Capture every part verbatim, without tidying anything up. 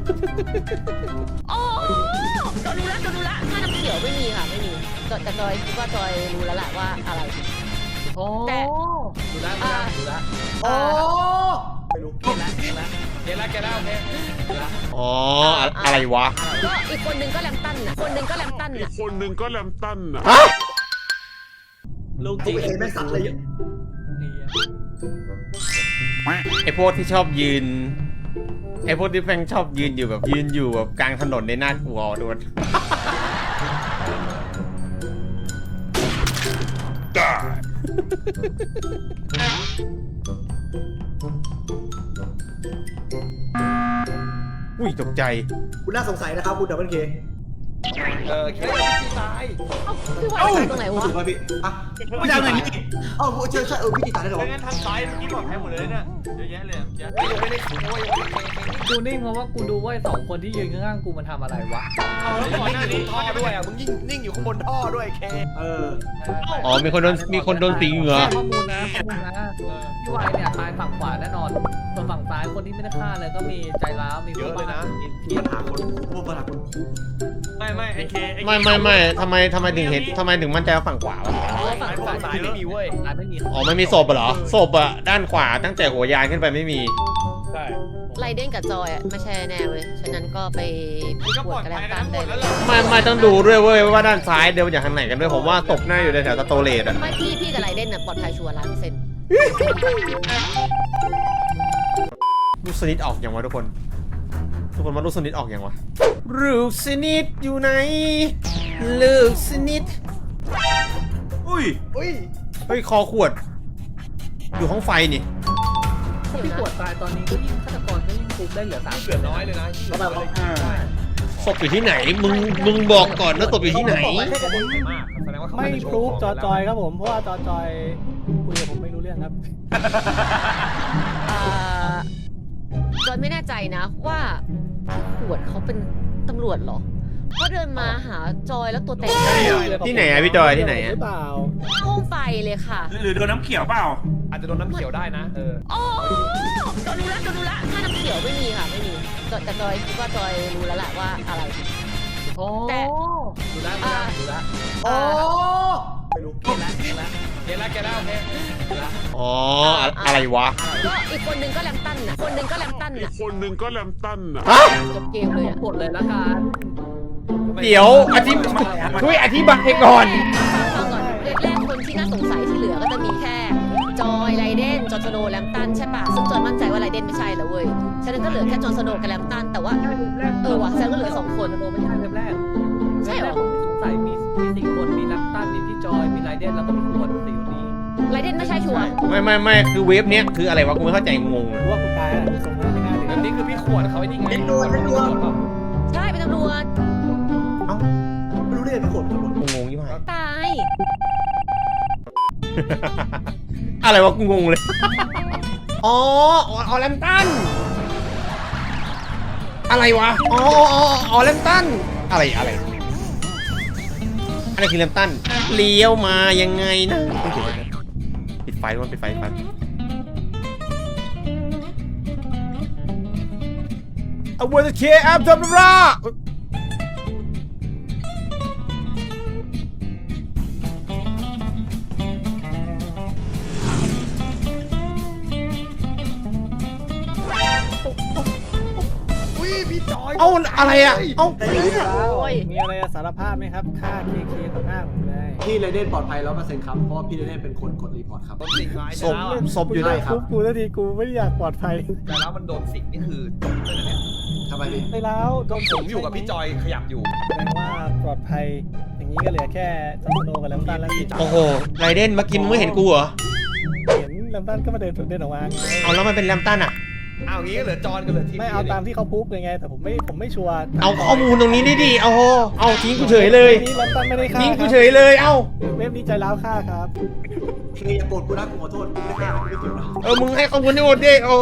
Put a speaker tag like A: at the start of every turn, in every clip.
A: โอ้จอยรู้แล้วจอยรู้แล้วถ้าน้ำเขียวไม่มีค่ะไม่มีแต่จอยคิดว่าจอยรู้แล้วแหละว่าอะไร
B: โอ้
A: แต่
B: ดูแลดูแลดูแล
C: โอ้ไม่รู้
B: เกลแล้วเกลแล้วเกลแล้วเกลแล้วโอเค
D: อ๋ออะไรวะ
A: ก็อีกคนนึงก็แลมตันน่ะคนนึงก็แลมตันน่ะ
E: คนหนึ่งก็แลมตันอ่ะ
D: ฮะ
B: ลูกจ
C: กู
B: ริง
C: เห็นแม่สัตว์เลย
D: ไอพวกที่ชอบยืนไอพวกที่แม่งชอบยืนอยู่แบบยืนอยู่แบบกลางถนนในหน้ากลัวด้วยอุ้ยตกใจ
C: คุณน่าสงสัยนะครับคุณดับเบิลเค
B: เออเคพี่ตาย
A: พี่ว่าตรงไหนวะ
C: ถูกไหมพี่อ่ะไม่ได้เลยนี่เอ้าใช่ใช่เออพี่ตีตายได้หรอ
B: งั้นทางซ้ายเมื่อกี้บอกแพ้หมดเลยเนี่ยเยอะแยะเลยเยอะไม่ได้โอ้ยกูนิ่งเพราะว่ากูดูว่าสองคนที่ยืนข้างๆกูมันทำอะไรวะเอาแล้วก่อนหน้านี้ท่อด้วยอ่ะมึงยิ่งนิ่งอยู่ข้างบนท่อด้วยเค
C: เออ
D: อ๋อมีคนโดนมีคนโดนตีเหงื่อ
B: ข้อมูลนะข้อมูลนะพี่วายเนี่ยตายฝั่งขวาแน่นอนส่วนฝั่งซ้ายคนที่ไม่ได้ฆ่าเลยก็มีใจร้าวมีเยอะเลยนะ
C: ปัญหาคนพวกปัญหาคน
B: ไม่ไม่ไอเค
D: ไม่ไม่ไม่ทำไมทำไมถึงเห็นทำไมถึงมั่นใจว่าฝั่งขวาวะ
B: ฝั่งซ้ายไม่มีเว้ยไม่มี
D: อ๋อไม่มีศพเหรอศพอะด้านขวาตั้งแต่หัวยานขึ้นไปไม่มี
B: ใช่
A: ไรเด้นกับจอยอะไม่ใช่แน่เว้ยฉะนั้นก็ไปปวดกันแล้วกันได้
D: ไม่ไม่ต้องดูด้วยเว้ยว่าด้านซ้ายเดินจากทางไหนกันด้วยผมว่าศพหน้าอยู่ในแถวสโตเลตอะ
A: ไม่พี่พี่กับไรเด้นอะปลอดภัยชัวร์ล้านเปอร์เซ็นต์
D: ลูกสนิทออกอย่างวะทุกคนทุกคนว่าลูกสนิทออกอย่างวะลูกสนิทอยู่ไหนลูกสนิทอุ้ย
C: อุ้ย
D: เฮ้ยคอขวดอยู่ห้องไฟนี่
B: พี่ขวดตายตอนนี้ก็ยิ่งฆาตกรก็ยิ่งคุมได้เหลือสามเหลือน้อยเลยนะ
D: ศพอยู่ที่ไหนมึงมึงบอกก่อนว่าศพอยู่ที่ไหน
F: ไม่พรูฟจอจอยครับผมเพราะว่าจอจอยคุยกับผมไม่รู้เรื่องครับ
A: จอยไม่แน่ใจนะว่าขวดเขาเป็นตำรวจเหรอก็เดินมาหาจอยแล้วตัวแตก
D: ที่ไหนอะพี่จอยที่ไหนอะ
A: ห้องไฟเลยค่ะ
E: หรือโดนน้ำเขียวเปล่า
B: อาจจะโดนน้ำเขียวได้นะเออ
A: โอ้จอยรู้แล้วจอยรู้แล้วถ้าน้ำเขียวไม่มีค่ะไม่มีแต่จอยคิดว่าจอยรู้แล้วแหละว่าอะไร
B: โอ้
A: แต่
B: ดูแลดูแล
C: โอ้ไม่รู้
B: เกลแล้วเกลแล้วเกลแล้วเกลแล้วโอเค
D: อ๋ออะไรวะ
A: ก็อีกคนนึงก็แลมตันน่ะคนนึงก็แลมตันน่ะ
E: คนหนึ่งก็แลมตันอ่ะ
A: จบเกมเลยอ่ะ
B: กดเลยละกัน
D: เดี๋ยวอธิบช่วยอธิบายก่อน
A: ฟังก่อนแรกคนที่น่าสงสัยที่เหลือก็จะมีแค่จอยไรเดนจอร์นสโนว์แลมตันใช่ปะซึ่งจอยมั่นใจว่าไรเดนไม่ใช่แล้วเว้ยฉะนั้นก็เหลือแค่จอร์นสโนว์กับแลมตันแต่ว่าเออว่ะฉะนั้นก็เหลือสองคน
B: โนไม่ใช่เริ่มแรก
A: ใช่เหรอ
B: สงสัยมีมีสี่คนมีแลมตันมีพี่จอยมีไรเดนแล้วก็มีขวดสี่คนนี้
A: ไรเดนไม่ใช่ชัวร์
D: ไม่ไม่ไม่คือเวฟเนี้ยคืออะไรวะกูไม่เข้าใจงง
F: ว่ากูตายแล้วส่งมาไม่ง่ายเลย
B: แบบนี้คือพี่ขวดเขาไอ้นี่ไง
C: เป็นตัวเป็นตัว
A: ใช่เป็นตำรวจ
D: เอ้า
C: ไม่รู้เรื่องเป็นคน
D: งงยี่ห้อ
A: ตาย
D: อะไรวะกูงงเลยอ๋อออแลมตันอะไรวะอ๋ออ๋อออแลมตันอะไรอะไรอะไรคือแลมตันเลี้ยวมายังไงนะปิดไฟด้วยปิดไฟไฟเอาวัวจะเคลียร์แอปทำอะไรเอาอะไรอ่ะเอา
F: มีอะไรสารภาพไหมครับฆ่าเคเคต่อหน้าผมเลย
C: พี่ไรเดนปลอดภัยร้อยเปอร์เซ็นต์ครับเพราะพี่ไรเดนเป็นคนกดรีพอร์ตครับ
D: ศพศพอยู่ไหนครับ
F: กูทันทีกูไม่อยากปลอดภัย
B: แต่แล้วมันโดนสิงนี่คือจบเลยนะเนี่ย
C: ทำไมพี่
F: ไปแล้ว
B: ต้องผมอยู่กับพี่จอยขยับอยู่
F: แปลว่าปลอดภัยอย่างนี้ก็เหลือแค่จอร์นโนกับแลมตันแล้ว
D: โอ้โหไรเดนเมื่อกี้มึงไม่เห็นกูเหรอ
F: เห็นแลมตันก็มาเดินเดินออกมา
D: เอาแล้วมันเป็นแลมตันอ่ะ
B: เอางี้ก็เหลือจอนกันเหลือที
F: ไม่เอาตามที่เขาพูดยังไงแต่ผมไม่ผมไม่ชัวร์
D: เอาข้อมูลตรงนี้ดิเอาเอาทิ้งกูเฉยเลย
F: นี่แลมตันไม่ได้ฆ่า
D: ทิ้งกูเฉยเลยเอ้า
F: เว็บนี้ใจร้าวฆ่าครับ
C: เคอย่าโกรธกูนะกูขอโทษกูไม่ฆ่าไม่เกี่ยวนะ
D: เออมึงให้ข้อมูลที่หมดดิโอ้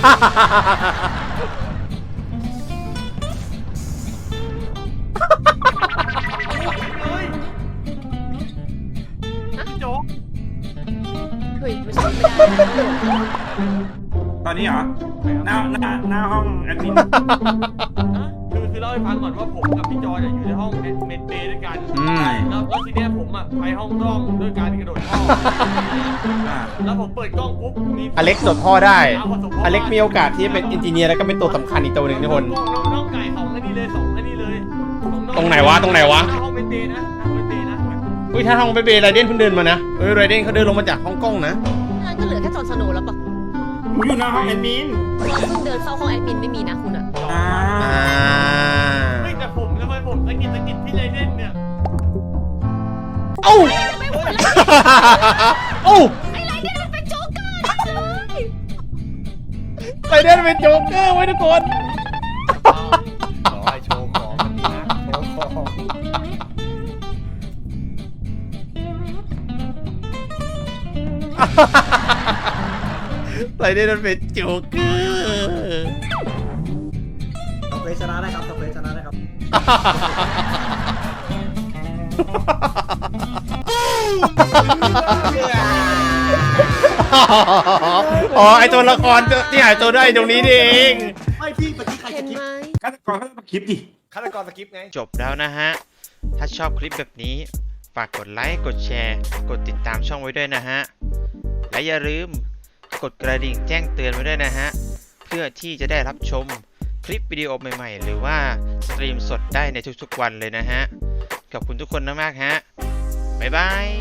B: โจ๊ก
A: เฮ้ยไม่ใช่ไม่ได้นะ
E: ตอนนี้เหรอหน้าหน้าหน้าห้องแอดมิน
B: คือคือเล่าให้ฟังก่อนว่าผมกับพี่จอยอยู่ในห้องเมดเบย์ด้วยกัน
D: อืม
B: แล้วแล้วทีเนี้ยผมอ่ะไปห้องกล้องด้วยการกระโดดท่อ
E: อ่า
B: แล้วผมเปิดกล้องปุ๊บมี
D: อเล็กโดดท่อได้ อเล็กมีโอกาสที่จะเป็นอินจิเนียร์แล้วก็เป็นตัวสำคัญอีกตัวหนึ่งทุกคน
B: น้องน้องน้องไก่สองอันนี้เลยสองอันนี้เลยสออง
D: ตรงไหนวะตรงไหนวะ
B: น้าห้องเมดเบย์นะหน้าห้องเมดเบย์นะ
D: อุ้ยถ้าห้องเบเบไรเดนเพิ่งเดินมานะเอ้ยไรเดนเขาเดินลงมาจากห้องกล้องนะ
A: งั้นก็เหลือแค่จอห์นสโนว์แล้วปะ
E: ผมอยู่หน้าห้องแอดมิน
A: เราเพิ่งเดินเข้าห้องแอดมินไม่มีนะคุณอะ
E: อ่า
D: อ่า
B: เฮ้ยแต่ผมทำไมผมสะกิดสะกิดพี่ไรเดนเนี่ย
D: เอ้า
A: ไม่พูดแล้ว
D: เอ้า
A: ไอ้ไรเดนมันเป็นโจ๊กเกอร์นะเลย
D: ไรเดนเป็นโจ๊กเกอร์ไว้ทุกคน
F: ขอให้โชว์ของมันดีนะโชว์ของ
D: ไรเดนมันเป็นโจ๊กเกอร์
C: สเปซชนะได้ครับสเปซชนะได้ครับ
D: อ๋อไอตัวละครที่หายตัวได้ตรงนี้นี่เอง
C: ไม่พี่เมื่อกี้ใคร
A: เห็
C: จะ
A: น
C: คิด
A: ไหม
E: ฆาตกรเขาต้องคลิปดิ
F: ฆาตกรสกิปไง
D: จบแล้วนะฮะ ถ้าชอบคลิปแบบนี้ ฝากกดไลค์ กดแชร์ กดติดตามช่องไว้ด้วยนะฮะ และอย่าลืมกดกระดิ่งแจ้งเตือนไว้ด้วยนะฮะ เพื่อที่จะได้รับชมคลิปวิดีโอใหม่ๆ หรือว่าสตรีมสดได้ในทุกๆวันเลยนะฮะ ขอบคุณทุกคนมากๆฮะ บ๊ายบาย